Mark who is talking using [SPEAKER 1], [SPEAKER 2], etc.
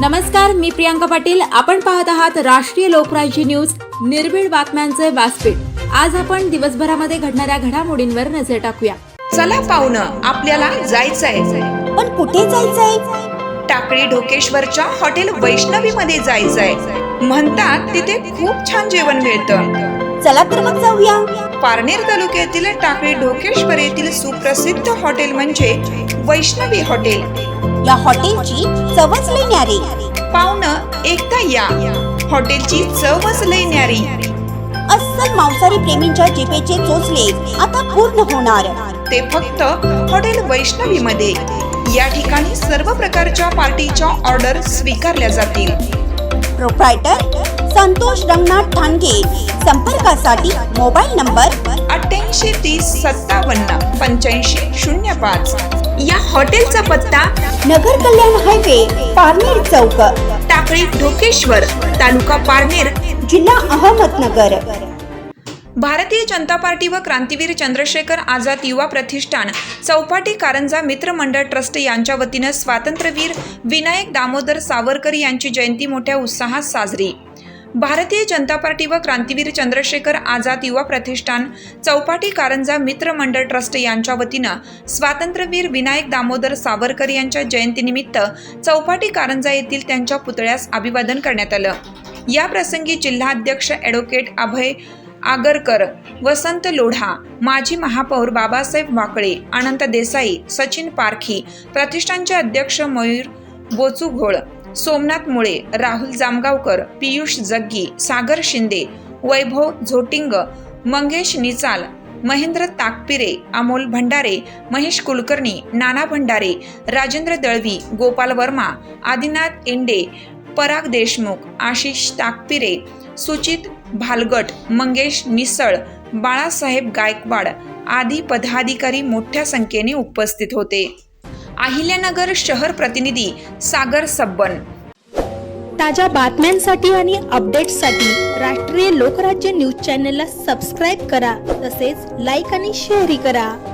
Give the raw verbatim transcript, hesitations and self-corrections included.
[SPEAKER 1] नमस्कार, मी प्रियांका पाटील. आपण पाहत आहात राष्ट्रीय लोकराज्य न्यूज, निर्भीड बातम्यांचे व्यासपीठ. आज आपण दिवसभरामध्ये घडणाऱ्या घडामोडींवर नजर टाकूया.
[SPEAKER 2] चला पाहुणं, आपल्याला जायचंय.
[SPEAKER 3] पण कुठे जायचंय?
[SPEAKER 2] टाकळी ढोकेश्वरच्या हॉटेल वैष्णवी मध्ये जायचंय. म्हणतात तिथे खूप छान जेवण मिळतं.
[SPEAKER 3] चला तर मग जाऊया.
[SPEAKER 2] पारनेर तालुक्यातील टाकळी ढोकेश्वर येथील सुप्रसिद्ध हॉटेल म्हणजे वैष्णवी हॉटेल.
[SPEAKER 3] या हॉटेलची चवच लई न्यारी.
[SPEAKER 2] पाहुणं, एकदा या. हॉटेलची चवच लई न्यारी.
[SPEAKER 3] अस्सल मांसाहारी प्रेमींच्या जिभेचे चोचले आता पूर्ण होणार.
[SPEAKER 2] ते फक्त हॉटेल वैष्णवी मध्ये. या ठिकाणी सर्व प्रकारच्या पार्टीच्या ऑर्डर स्वीकारल्या जातील.
[SPEAKER 3] प्रोप्रायटर संतोष रंगनाथ ठाणगे. संपर्कासाठी मोबाईल नंबर
[SPEAKER 2] अठ्ठ्याऐंशी तीस सत्तावन्न पंच्याऐंशी शून्य पाच. या हॉटेलचा पत्ता
[SPEAKER 3] नगर कल्याण हायवे, पारनेर चौक,
[SPEAKER 2] टाकळी ढोकेश्वर, तालुका पारनेर,
[SPEAKER 3] जिल्हा अहमदनगर.
[SPEAKER 2] भारतीय जनता पार्टी व क्रांतीवीर चंद्रशेखर आझाद युवा प्रतिष्ठान चौपाटी कारंजा मित्र मंडळ ट्रस्ट यांच्या वतीनं स्वातंत्र्यवीर विनायक दामोदर सावरकर यांची जयंती मोठ्या उत्साहात साजरी. भारतीय जनता पार्टी व क्रांतीवीर चंद्रशेखर आझाद युवा प्रतिष्ठान चौपाटी कारंजा मित्र मंडळ ट्रस्ट यांच्या वतीनं स्वातंत्र्यवीर विनायक दामोदर सावरकर यांच्या जयंतीनिमित्त चौपाटी कारंजा येथील त्यांच्या पुतळ्यास अभिवादन करण्यात आलं. या प्रसंगी जिल्हाध्यक्ष ॲडव्होकेट अभय आगरकर, वसंत लोढा, माजी महापौर बाबासाहेब वाकळे, अनंत देसाई, सचिन पारखी, प्रतिष्ठानचे अध्यक्ष मयूर बोचुघोळ, सोमनाथ मुळे, राहुल जामगावकर, पियुष जग्गी, सागर शिंदे, वैभव झोटिंग, मंगेश निचाल, महेंद्र ताकपिरे, अमोल भंडारे, महेश कुलकर्णी, नाना भंडारे, राजेंद्र दळवी, गोपाल वर्मा, आदिनाथ इंडे, पराग देशमुख, आशिष ताकपिरे, सुचित भालगट, मंगेश निसळ, बाळासाहेब गायकवाड आदी पदाधिकारी मोठ्या संख्येने उपस्थित होते. अहिल्यानगर शहर प्रतिनिधी सागर सब्बन.
[SPEAKER 4] ताज्या बातम्यांसाठी आणि अपडेट्ससाठी राष्ट्रीय लोकराज्य न्यूज चॅनलला सबस्क्राईब करा, तसेच लाईक आणि शेअरही करा.